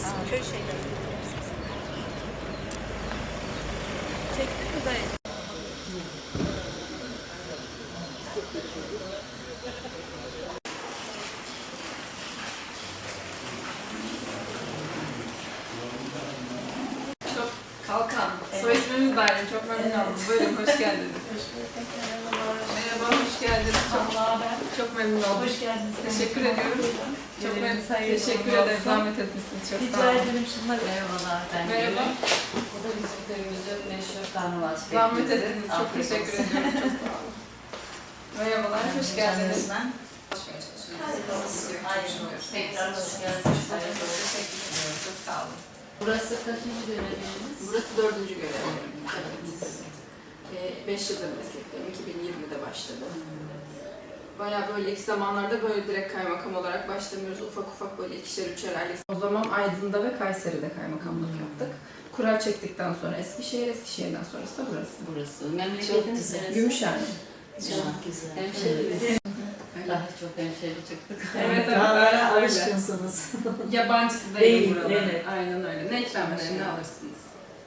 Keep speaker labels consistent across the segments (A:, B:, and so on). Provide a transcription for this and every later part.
A: köy şeyleri. Çektin mi dayı?
B: Çok Kalkan. Soy ismimiz de aynı. Çok memnun oldum. Buyurun, hoş geldiniz. Merhaba, hoş geldiniz. Çok memnun oldum.
A: Hoş geldiniz.
B: Teşekkür ediyorum. Çok teşekkür ederim. Zahmet etmişsiniz. Çok sağ
A: Rica
B: olun.
A: ederim şunları.
C: Merhabalar, ben
B: Merhaba.
C: Bu da bizim köyümüzün meşhur karnavas
B: Zahmet ettiniz. Çok teşekkür ediyorum. Çok sağ olun. Merhabalar, hoş geldiniz.
C: Tekrar hoş geldiniz.
B: Çok sağ olun.
C: Burası kaçıncı göreviniz?
B: Burası 4. görevim. Evet. 5 yıldır meslekteyim. 2020'de başladım. Bayağı böyle ilk zamanlarda böyle direkt kaymakam olarak başlamıyoruz. Ufak ufak böyle ikişer üçer aile. O zaman Aydın'da ve Kayseri'de kaymakamlık yaptık. Kura çektikten sonra Eskişehir, Eskişehir'den sonrası da burası.
C: Burası. Memleketiniz neresi?
B: Gümüşhane.
C: Çok güzel. Hemşerimiz. Daha çok hemşeri çıktık.
B: Evet,
A: Dağlara
B: öyle.
A: alışkınsınız.
B: Yabancısı
A: Değil,
B: değil burada.
A: evet.
B: Aynen öyle. Ne ikramlarını ne alırsınız?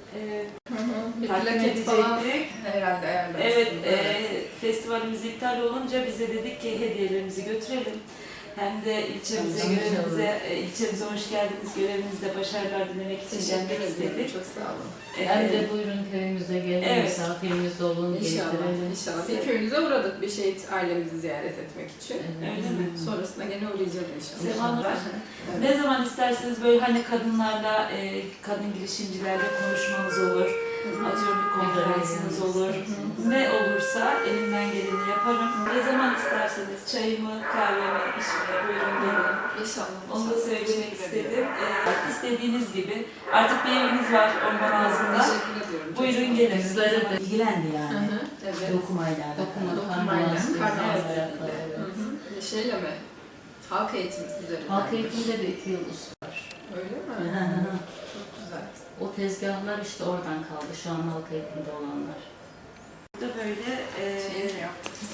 B: Bir
A: Takdim
B: plaket falan
A: edecektik.
B: herhalde ayarlarsınız.
A: Evet, festivalimiz iptal olunca bize dedik ki hediyelerimizi götürelim. Hem de ilçemize, ilçemize hoş geldiniz, görevinizde başarılar dilemek için
B: Teşekkür
A: gelmek
B: ederim.
A: istedik.
B: Çok sağ olun.
C: Hem de buyurun köyümüze gelin,
A: Evet.
C: misafirimiz olun,
B: İnşallah,
C: getirelim.
B: inşallah. Bir köyünüze uğradık bir şehit ailemizi ziyaret etmek için.
A: Öyle mi?
B: Sonrasında gene uğrayacağız inşallah.
A: Sevan var.
B: Evet.
A: Ne zaman isterseniz böyle hani kadınlarla, kadın girişimcilerle konuşmanız olur. Atıyorum bir konferansınız olur. Ne olursa elimden geleni yaparım. Ne zaman isterseniz çayımı, kahvemi, işime buyurun gelin.
B: İnşallah.
A: Onu da söylemek istedim. İstediğiniz gibi. Artık bir eviniz var orman ağzında.
B: Teşekkür ediyorum. Çok
A: Buyurun
B: sağ olun.
A: gelin.
C: Bizlere de
D: İlgilendi
B: Hı
D: yani.
B: hı, evet.
D: Dokumayla.
B: Dokumayla, karnavas
C: Evet.
B: dediğiyle. Şeyle mi? Halk eğitimi üzerinden.
C: Halk eğitimde de 2 yıl var.
B: Öyle mi? Çok güzel.
C: O tezgahlar işte oradan kaldı. Şu an halk eğitimde olanlar.
A: Burada böyle
B: Şey mi yaptınız?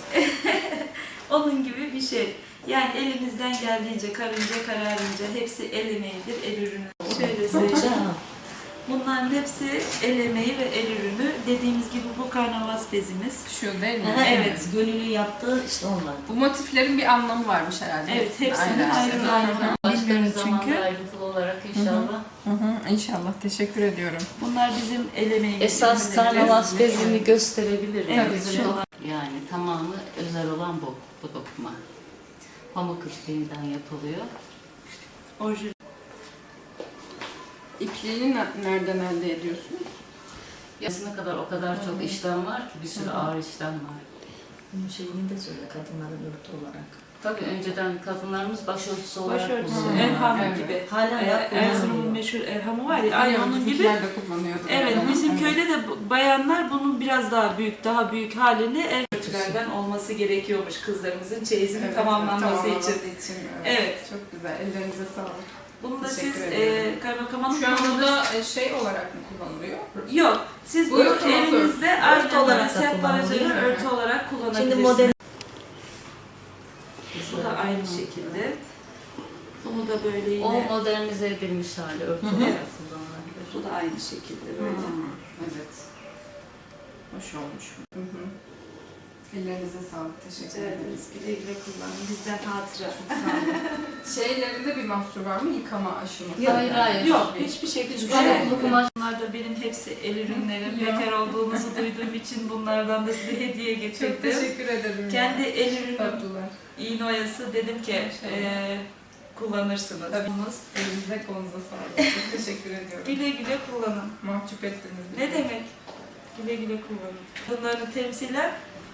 A: onun gibi bir şey. Yani elimizden geldiğince, karınca kararınca hepsi el emeğidir, el ürünü. Şöyle söyleyeyim. Bunların hepsi el emeği ve el ürünü. Dediğimiz gibi bu karnavas bezimiz.
B: Şu değil mi?
A: Evet.
D: Gönüllü yaptığı işte onlar.
B: Bu motiflerin bir anlamı varmış herhalde.
A: Evet, hepsinin
B: Aynen.
A: ayrı ayrı.
C: Başka bir
A: Bilmiyorum
C: zamanda
A: çünkü.
C: ayrıntılı olarak inşallah.
B: İnşallah. Teşekkür ediyorum.
A: Bunlar bizim el emeğimiz.
C: Esas
A: ürünlerimiz.
C: karnavas bezini gösterebilirim.
A: Evet,
C: Özel
A: şu-
C: olan, yani tamamı özel olan bu dokuma. Pamuk ipliğinden yapılıyor.
A: Orijinal.
B: İpliğini nereden elde ediyorsunuz?
C: Yazına kadar o kadar çok işlem var ki bir sürü ağır işlem var.
D: Bunun şeyini de söyle kadınların örtü olarak.
C: Tabii önceden kadınlarımız başörtüsü olarak
A: Başörtüsü,
C: kullanıyorlar.
A: erham
B: Evet.
A: gibi.
D: Hala
A: Erzurum'un
D: kullanılıyor.
A: meşhur erhamı var ya, aynı onun gibi.
B: Bizimkiler de kullanıyordu.
A: Evet,
B: Ama.
A: bizim
B: Evet.
A: köyde de bayanlar bunun biraz daha büyük halini örtülerden olması gerekiyormuş kızlarımızın çeyizinin
B: Evet,
A: tamamlanması için.
B: Evet.
A: Evet.
B: Çok güzel. Ellerinize sağlık.
A: Bunu da
B: Teşekkür
A: siz
B: ederim.
A: kaymakamın
B: Şu an burada şey olarak mı kullanılıyor?
A: Yok, siz
B: Bu
A: bunu
B: örtü
A: evinizde
D: Örtü
A: aynı
D: olarak
A: olarak
D: da
A: sehpa
D: kullanılıyor.
A: üzerine örtü olarak kullanabilirsiniz.
D: Şimdi model
A: Bu da aynı şekilde. Bunu da böyle yine.
C: O modernize edilmiş hali örtü olarak
A: Evet.
C: kullanılabilir.
A: Bu da aynı şekilde böyle.
B: Evet. Hoş olmuş. Hı hı. Ellerinize sağlık. Teşekkür
A: Rica
B: ederiz.
A: ederiz. Güle güle kullanın. Bizden hatıra.
B: Şeylerinde bir mahsur var mı? Yıkama aşaması.
C: Hayır, hayır.
A: Yok, hiçbir şekilde.
C: Pamuklu kumaş.
A: Bunlar da benim hepsi el ürünlerim.
B: Ya.
A: Bekar olduğunuzu duyduğum için bunlardan da size hediye
B: Çok
A: getirdim.
B: teşekkür ederim.
A: Kendi el ürünüm,
B: tatlılar.
A: iğne oyası dedim ki kullanırsınız.
B: Tabii. Elinize kolunuza sağlık. Çok teşekkür ediyorum.
A: Güle güle kullanın.
B: Mahcup ettiniz.
A: Ne demek? Güle güle kullanın. Bunları temsilen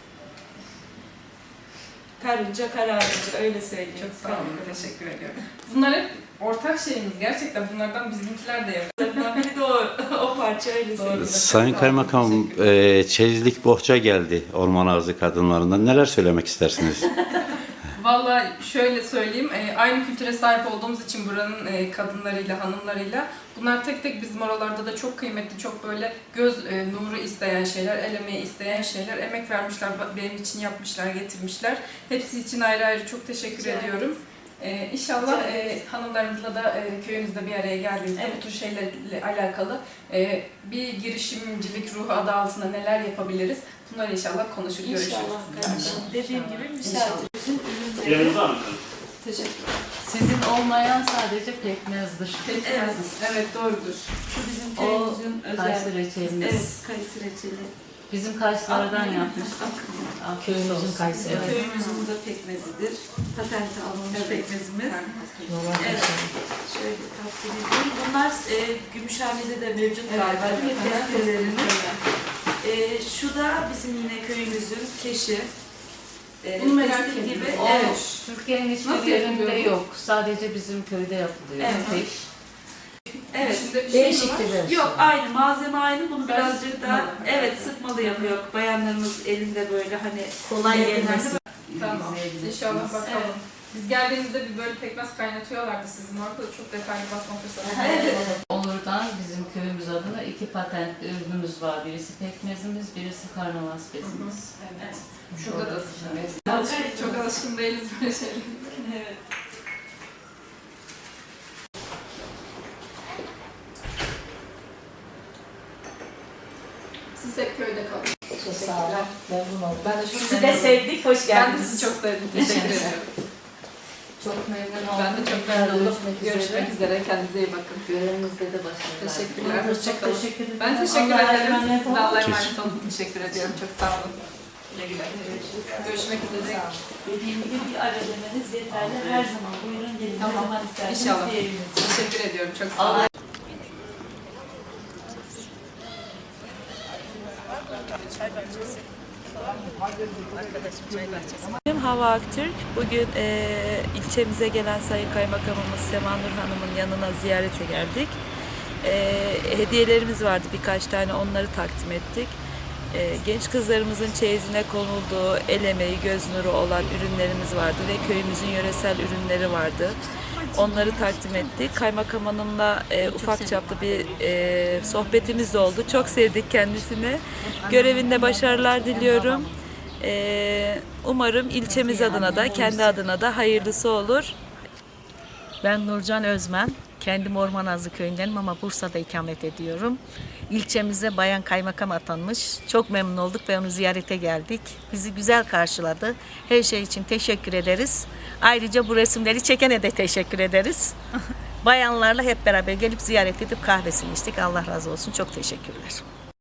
A: karınca kararınca öyle söyleyeyim.
B: Çok sağ olun. Teşekkür ediyorum. Bunlar hep ortak şeyimiz. Gerçekten bunlardan bizimkiler de yapıyor.
A: Bunlardan biri de o parça öyle söyleyeyim.
E: Sayın Kaymakam, çeyizlik bohça geldi Orman Ağzı kadınlarından. Neler söylemek istersiniz?
B: Vallahi şöyle söyleyeyim, aynı kültüre sahip olduğumuz için buranın kadınlarıyla, hanımlarıyla bunlar tek tek bizim oralarda da çok kıymetli, çok böyle göz nuru isteyen şeyler, el emeği isteyen şeyler, emek vermişler, benim için yapmışlar, getirmişler. Hepsi için ayrı ayrı çok teşekkür
A: Rica
B: ediyorum. İnşallah hanımlarımızla da köyümüzde bir araya geldiğimizde bu tür şeylerle alakalı bir girişimcilik ruhu adı altında neler yapabiliriz? Bunları inşallah konuşur, görüşürüz.
A: İnşallah kardeşim. Dediğim gibi müsaadenizin ürünleri.
F: Yanınızda mı?
B: Teşekkürler.
C: Sizin olmayan sadece pekmezdir.
B: Evet, evet doğrudur.
A: Şu bizim
C: O
A: köyümüzün
C: kayısı
A: özel.
C: reçelimiz.
A: Evet, kayısı reçeli.
C: Bizim Kayseri'den yapmıştık.
D: Köyümüzün Kayseri.
C: Evet.
A: Köyümüzün bu da pekmezidir. Patente alınmış pekmezimiz. Evet. Şöyle takdim edeyim. Bunlar Gümüşhane'de de mevcut galiba değil mi? Testelerimiz. Şu da bizim yine köyümüzün keşi.
B: Bunu merak
A: Testi
B: ettim.
A: gibi.
C: O
A: Evet.
C: Türkiye'nin
B: Nasıl
C: hiçbir yerinde
B: yapılıyor bu?
C: yok. Sadece bizim köyde yapılıyor.
A: Evet.
C: Tek.
A: Evet.
B: İçinde bir şey mi
D: Değişik
B: var?
D: bir versiyon.
A: Yok aynı malzeme aynı. Bunu
B: Sadece
A: birazcık daha
B: sıkmalı.
A: evet sıkmalı yapıyor. Bayanlarımız elinde böyle hani
D: Kolay gelmesi.
B: Tamam.
C: İzleyebilirsiniz.
B: İnşallah bakalım.
A: Evet.
B: Biz geldiğimizde bir böyle pekmez kaynatıyorlardı sizin orada da çok detaylı bakma fırsatı.
A: Evet.
C: Olur'dan bizim köyümüz adına 2 patent ürünümüz var. Birisi pekmezimiz, birisi karnavas bezimiz.
B: Evet. Şurada da evet. Çok alışkın değiliz böyle şeylere.
A: Evet.
B: Siz hep köyde kalın.
D: Çok sağ olun. Memnun oldum.
B: Ben de çok
D: Sizi de sevdik. Hoş
B: Ben de
D: geldiniz.
B: sizi çok sevdim. Teşekkür ederim.
C: Çok memnun oldum.
B: Ben de çok memnun oldum.
C: Görüşmek
B: Görüşmek üzere. Kendinize iyi bakın.
C: Görevinizde de başarılar.
B: Teşekkürler.
D: Çok
B: Hoşçakalın.
D: teşekkür ederim.
B: Ben teşekkür
D: Allah'a
B: ederim.
D: emanet olun.
B: Size Allah'a emanet olun. Teşekkür ediyorum. Çok sağ olun. Görüşmek üzere.
A: Dediğim gibi bir ara demeniz yeterli. Her zaman buyurun gelin. Ne
B: Tamam.
A: zaman isterseniz
B: İnşallah.
A: bir evimiz.
B: Teşekkür ediyorum. Çok sağ olun.
A: Benim Hava Aktürk. Bugün ilçemize gelen Sayın Kaymakamımız Sema Nur Hanım'ın yanına ziyarete geldik. Hediyelerimiz vardı birkaç tane, onları takdim ettik. Genç kızlarımızın çeyizine konulduğu el emeği, göz nuru olan ürünlerimiz vardı ve köyümüzün yöresel ürünleri vardı. Onları takdim ettik. Kaymakam Hanım'la ufak çaplı bir sohbetimiz de oldu. Çok sevdik kendisini. Görevinde başarılar diliyorum. Umarım ilçemiz adına da kendi adına da hayırlısı olur.
D: Ben Nurcan Özmen. Kendim Ormanazlı köyündenim ama Bursa'da ikamet ediyorum. İlçemize bayan kaymakam atanmış. Çok memnun olduk ve onu ziyarete geldik. Bizi güzel karşıladı. Her şey için teşekkür ederiz. Ayrıca bu resimleri çekene de teşekkür ederiz. Bayanlarla hep beraber gelip ziyaret edip kahvesini içtik. Allah razı olsun. Çok teşekkürler.